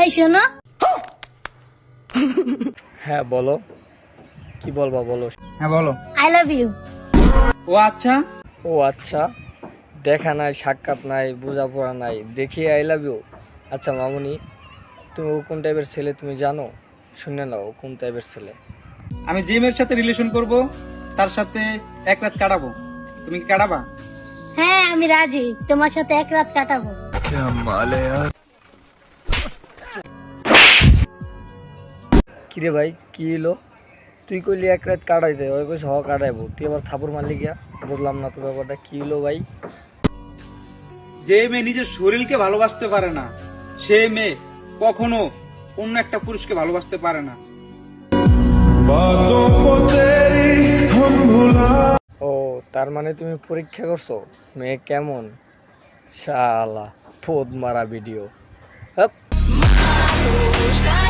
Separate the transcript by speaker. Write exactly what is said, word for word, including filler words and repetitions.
Speaker 1: এই শোনো।
Speaker 2: হ্যাঁ বলো, কি বলবা বলো।
Speaker 3: হ্যাঁ বলো।
Speaker 1: I love you.
Speaker 3: ও আচ্ছা।
Speaker 2: ও আচ্ছা, দেখা নাই, সাক্ষাৎ নাই, বোঝাপড়া নাই, দেখি আই লাভ ইউ। আচ্ছা মামুনি, তুমি ও কোন টাইপের ছেলে তুমি জানো? শুনে নাও ও কোন টাইপের ছেলে।
Speaker 3: আমি যে মেয়ের সাথে রিলেশন করব তার সাথে এক রাত কাটাবো, তুমি কি কাটাবা?
Speaker 1: হ্যাঁ আমি রাজি, তোমার সাথে এক রাত কাটাবো।
Speaker 2: কিরে ভাই কি এলো? তুই কইলি এক রাত কাটাই যায়, ওই কইছে হ কাটাইবো, তুই আবার থাপুর মারলি গিয়া? বুঝলাম না তো ব্যাপারটা কি হলো ভাই।
Speaker 3: যে মেয়ে নিজের শরীরকে ভালোবাসতে পারে না, সে মেয়ে কখনো অন্য একটা পুরুষকে ভালোবাসতে পারে না।
Speaker 2: ও তার মানে তুমি পরীক্ষা করছো মেয়ে কেমন? শালা ফোদ মারা ভিডিও।